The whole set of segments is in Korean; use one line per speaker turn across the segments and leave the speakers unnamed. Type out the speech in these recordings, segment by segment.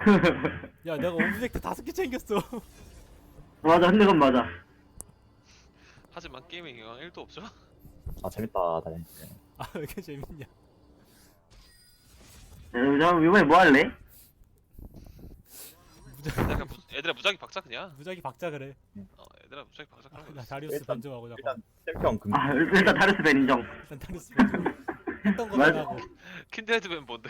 야 내가 오브젝트 5개 챙겼어.
맞아, 근데 그건 맞아.
하지만 게임에 영향 1도 없죠?
아 재밌다 다행히.
아 왜 이렇게 재밌냐.
그럼 이번에 뭐 할래?
약간 애들아 무작위 박자 그냥.
무작위 박자 그래.
애들아 무작위 박자 그런 거
나
있어.
다리우스
일단-
변종하고 잠깐.
일단 챔피언 금.
아, 일단 다르스 벤 인정.
일단 다리우스 변종. 했던 거만
맞아.
하고.
킨드헤드맨 뭔데?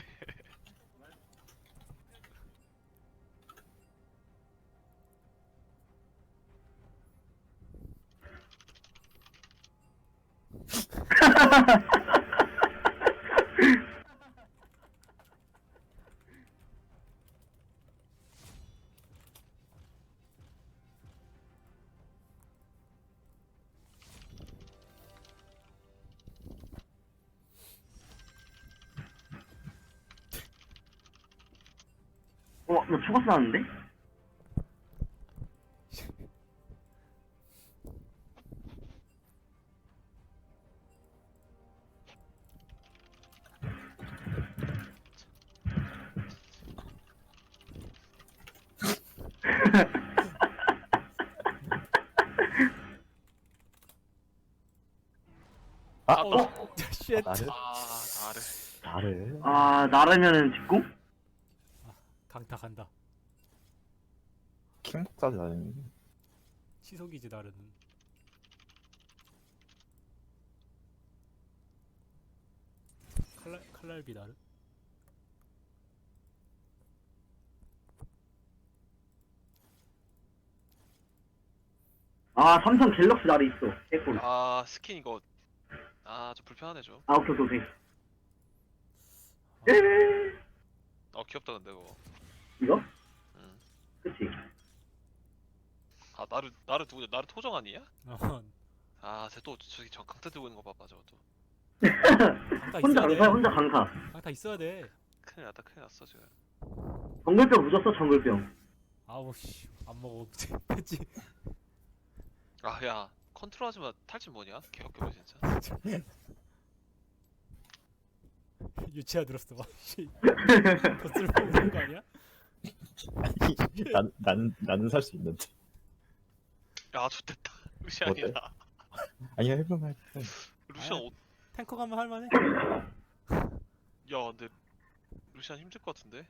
너 죽었어 나는데?
아,
쉣.
나를
나를.
나를.
아, 나르면은 직구?
강타 간다.
킹복사지 나는.
치속이지 나르는. 칼날비 나르.
아, 삼성 갤럭시 나르 있어. 개꿀.
아 스킨 이거 좀 불편하네 좀.
아, 오케이, 오케이.
아,
에이,
귀엽다 근데 그거.
이거?
응.
그치.
아 나를 누구냐? 나를 토정 아니야?
어,
쟤또 저기 저 강타 들고 있는 거 봐봐 저것도.
강타
혼자
있어야 돼.
강사야, 혼자 강사.
강타 있어야 돼.
큰일 났어 지금.
정글병 묻었어, 정글병.
아우 씨, 안 먹어. 그치?
야 컨트롤하지마. 탈진 뭐냐? 개역겨워 진짜.
유치아 들었어 막. 씨. 더 쓸모없는 거 아니야?
나는 살 수 있는데.
야 좋댔다. 루시안이다.
아니야 해보면.
루시안
아야. 탱커 가면 할만해.
야 근데 루시안 힘들 것 같은데?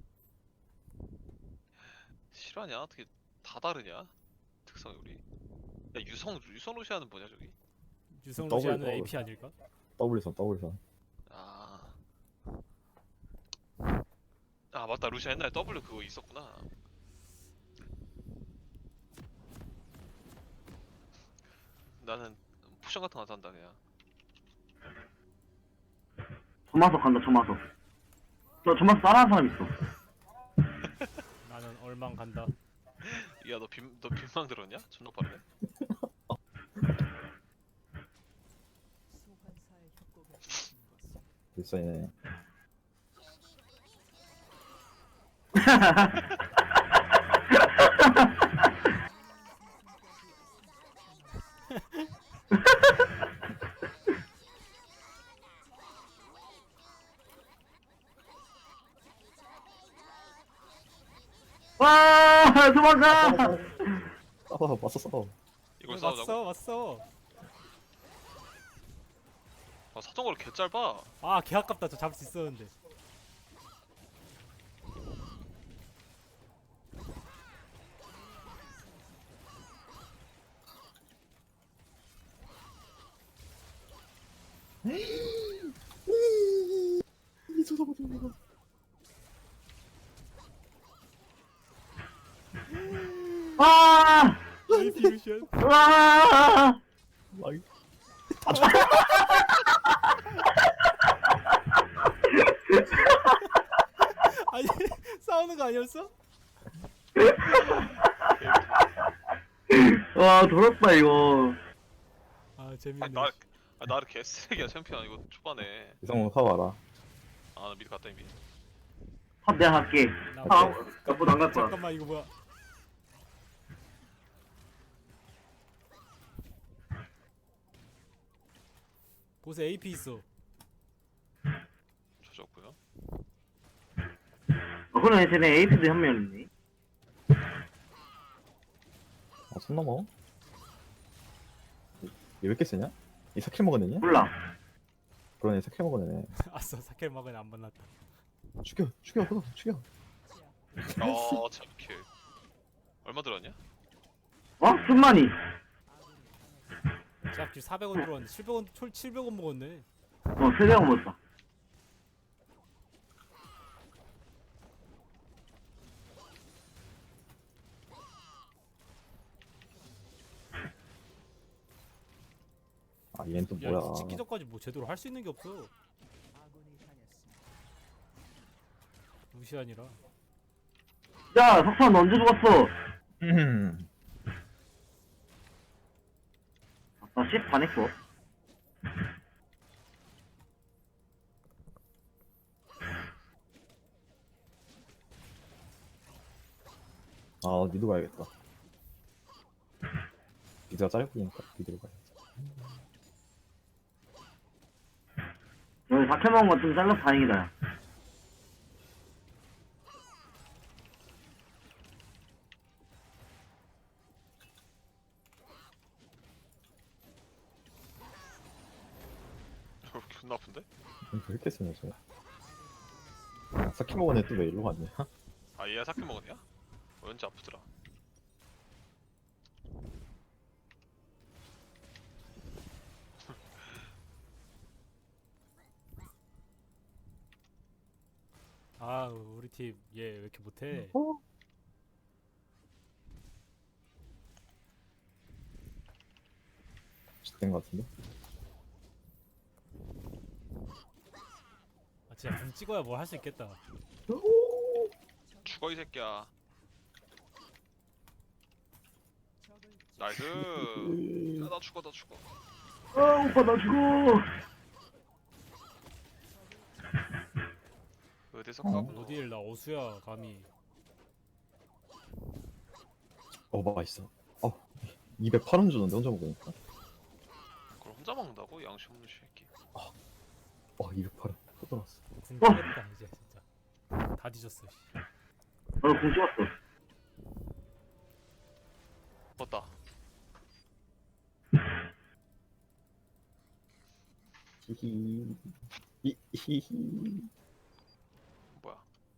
실화냐? 어떻게 다 다르냐? 특성이 우리. 야 유성 루시안은 뭐냐 저기?
유성
더블,
루시아는
더블.
AP 아닐까?
더블선.
맞다 루시안 옛날에 W 그거 있었구나. 나는 포션 같은 거 안 산다 그냥.
점화석 간다, 점화석. 저 점화석 따라하는 사람 있어.
나는 얼망 간다.
야 너 빈망 들었냐? 존나 빠르네.
일선이네.
와, 도망가!
싸워.
이걸 싸우자고?
왔어.
사정거리 개 짧아.
아, 개 아깝다. 저 잡을 수 있었는데.
와!
AP 루시안.
와!
아니, 싸우는 거 아니었어?
와, 더럽다, 이거.
아, 재밌네.
나를 개쓰레기야 챔피언 이거 초반에.
이성훈 사와라.
나 미리 갔다 이미.
탑 내가 갈게.
나
탑, 나보다 안 갈 거야.
잠깐만, 이거 뭐야? 보세 AP 있어.
조졌고요.
그러네, 쟤네 에이스도 한 명 있네.
손 넘어. 얘 왜 이렇게 세냐? 이 사킬 먹은 애냐?
몰라.
그러네, 사킬 먹은 애네.
아싸 사켈 먹은 안 만났다.
죽여, 그거 죽여.
참킬. 얼마 들었냐?
어? 순만이.
제가 400원 들어왔는데 700원 700원 먹었네.
세대가 먹었다.
아, 얘는 또
야
뭐야?
찍기 전까지 뭐 제대로 할 수 있는 게 없어. 루시안이라.
야, 석탄 언제 죽었어? 나 10 반했어.
아, 미드 가야겠다. 미드가 짧으니까 미드로 가야지.
여기 4캐 먹은 거 좀 잘라서 다행이다. 야.
존나 아픈데?
왜 이렇게 세냐, 저. 사킬 먹은 애 또 왜 일로 갔냐?
아 얘야 사킬 먹었냐? 왠지 아프더라.
아 우리 팀 얘 왜 이렇게 못해?
된 것 같은데?
아 진짜 붕 찍어야 뭘 할 수 있겠다.
죽어 이 새끼야. 나이스. 야, 나 죽어.
아, 오빠 나 죽어.
어디서 까부노?
어디를 나 어수야 감히.
맛있어. 208원 주는데 혼자 먹으니까.
그걸 혼자 먹는다고? 양심 없는 새끼.
208원. 또 돌았어.
붕 찍겠다 이제 진짜. 다 뒤졌어. 씨.
나도 공 찍었어.
맞다.
히히. 히히.
뭐야?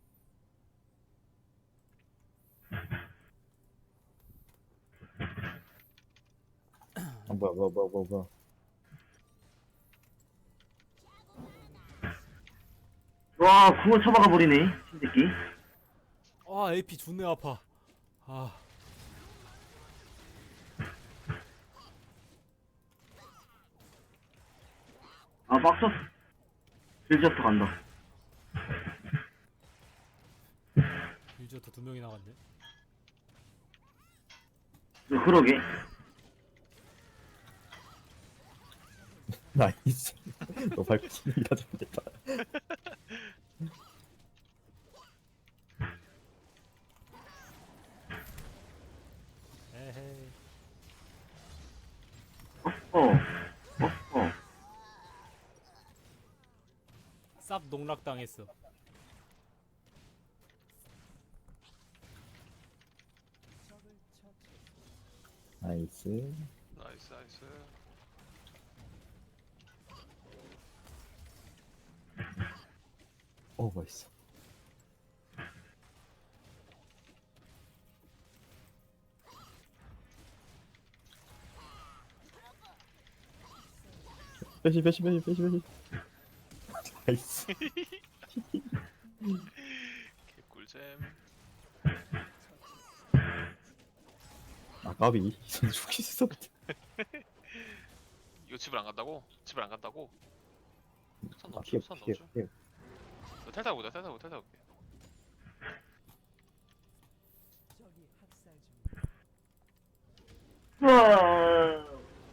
뭐야.
와, 궁을 쳐박아 버리네, 신새끼.
아 AP 존내 아파. 아
아, 빡쳤어. 빌저스터 간다.
유저도 2명이 나갔네.
그러게.
나이스. 너 밟고 있다 좋겠다.
에헤이.
어.
쌉 농락당했어.
나이스.
나이스.
맛있어. 빼시. 나이스.
개꿀잼.
까비. 이선 죽기 있어.
이거 집을 안 간다고? 선
피해.
넣어줘. 너 탈 타고 올게.
우와.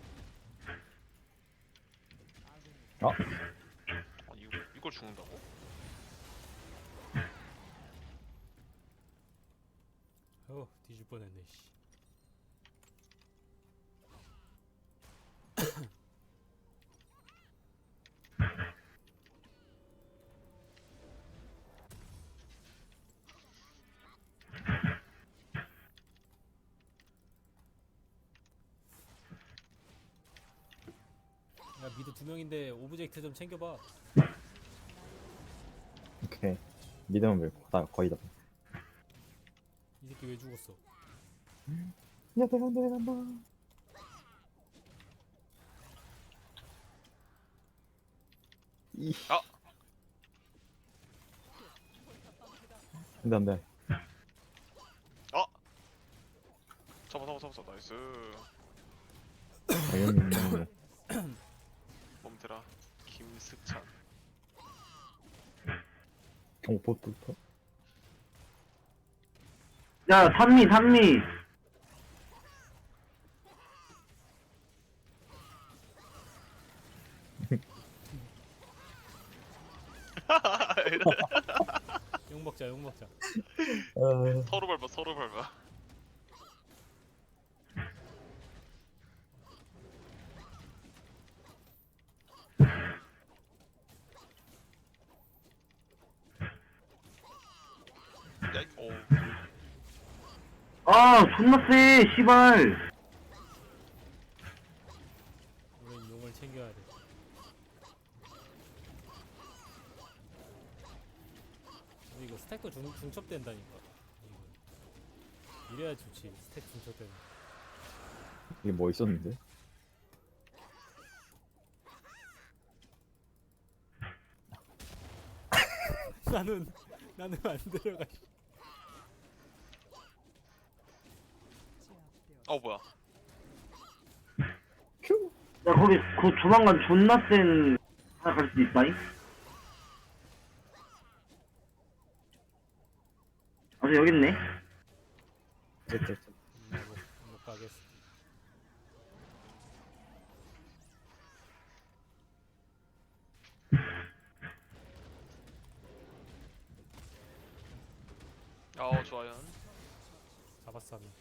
아니 이걸 죽는다고?
뒤질 뻔했네. 씨. 두 명인데 오브젝트 좀 챙겨봐.
오케이. 믿음은 밀고. 나 거의 다.
이 새끼 왜 죽었어?
야, 내간다. 이.
아!
안 돼.
아! 잡아 나이스.
당연히.
몸들아 김승찬.
보트부터.
야, 산미.
욕 먹자, 욕 먹자.
서로 밟아. 야, 오.
아, 존나 세, 씨발.
우린 용을 챙겨야 돼. 근데 이거 스택도 중첩된다니까. 이거. 이래야 좋지. 스택 중첩되는.
이게 뭐 있었는데?
나는 안 들어가.
뭐야?
큐.
야, 거기, 조만간 존나 센, 하나 갈 수도 있다잉? 아직 여기 있네?
못 가겠어.
좋아요.
잡았어 한 명.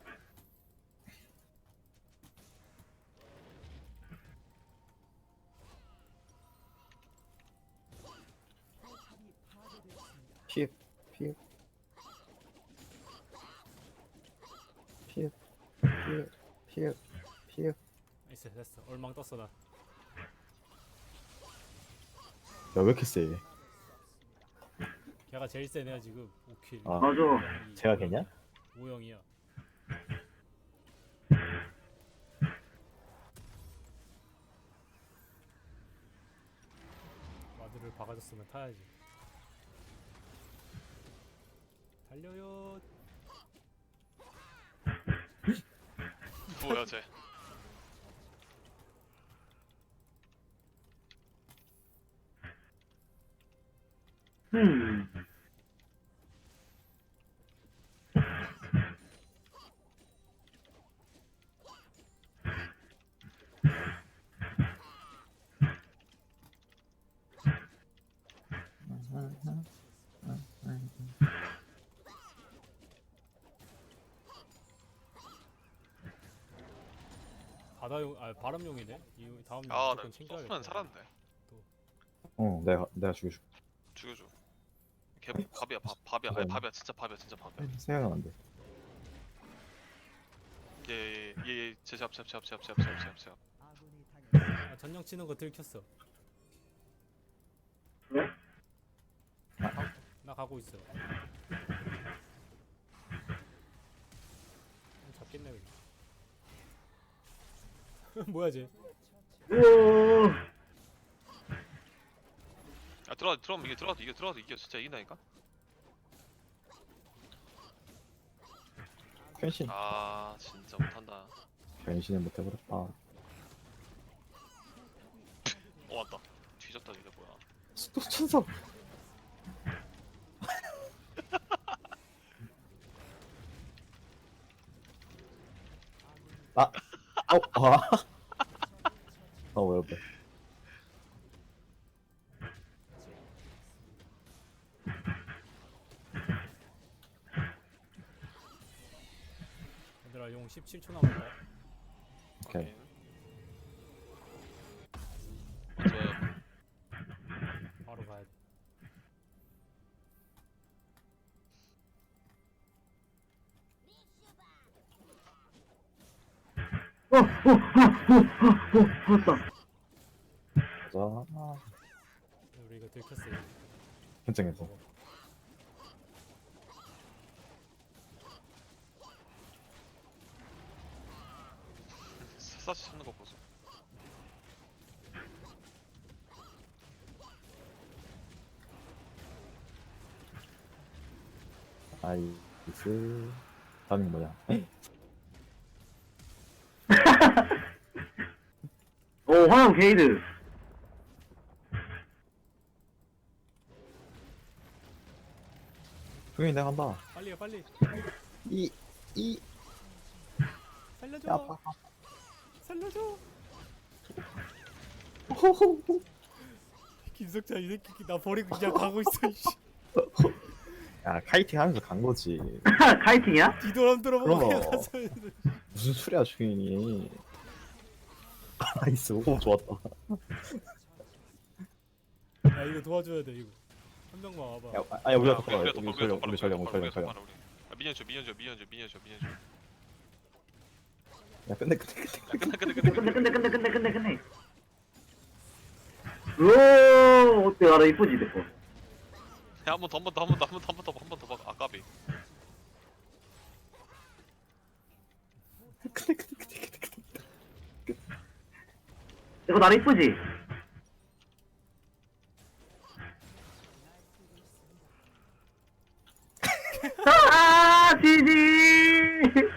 피해.
나이스 됐어. 얼망 떴어 나.
야, 왜 이렇게 세?
걔가 제일 세네요 지금. 5킬.
아.
맞아.
제가 걔냐?
5형이야. 와드를 박아줬으면 타야지. 달려요.
뭐야 쟤?
음.
바다용 바람용이네. 이 다음
나
무조건 챙겨야겠다.
소스는 살았는데.
내가 죽여줘.
죽여줘. 걔 밥이야. 아니 밥이야. 진짜 밥이야.
생각은 안 돼.
얘 제압.
아, 전령 치는 거 들켰어.
그래?
나 가고 있어. 잡겠네 여기. 뭐야 쟤?
우와.
들어가면 이게 진짜 이긴다니까?
변신.
진짜 못한다.
변신을 못 해버렸다.
왔다. 뒤졌다 이게 뭐야?
또 천사. 왜 옆에?
얘들아 용 17초 남았다.
오케이.
좋아요.
바로 가야 돼.
살았다.
우리 이거 들켰어 이거.
현장에서.
샅샅이 찾는 거 보소.
아이스. 다음이 뭐야?
오, 화염 게이드.
흥이 내가 한다.
빨리 해 빨리.
이.
살려줘.
야, 아파.
살려줘. 김석찬 이 새끼 나 버리고 그냥 가고 있어. 씨.
야, 카이팅 하면서 간 거지.
카이팅이야?
뒤도람 들어보고
그럼.
그냥 가서 있는데.
무슨 소리야, 주인이. 나이스. 오, 좋았다.
야 이거 도와줘야 돼 이거. 한 명만 와봐.
야, 우리가
야,
더 빨라.
우리가
우리
더
전령,
빨라,
우리 전령.
우리가 더 빨라, 우리. 아, 미니언 줘.
야, 끝내.
끝내.
오, 어때? 알아, 이쁘지, 내 거.
야, 한 번 더 봐. 아까비.
내 거 나라 이쁘지? 지지!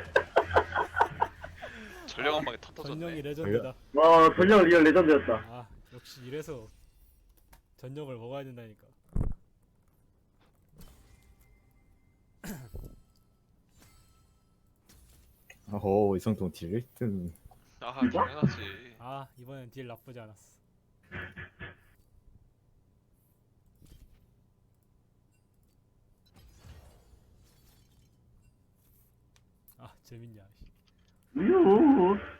전령 한 방에 다
전령이
터졌네.
레전드다.
와, 전령 리얼 레전드였다.
아 역시 이래서 전력을 먹어야 된다니까.
오, 이성동 딜 1등.
아,
진짜?
당연하지.
아 이번엔 딜 나쁘지 않았어. 아 재밌냐. 씨.
우유.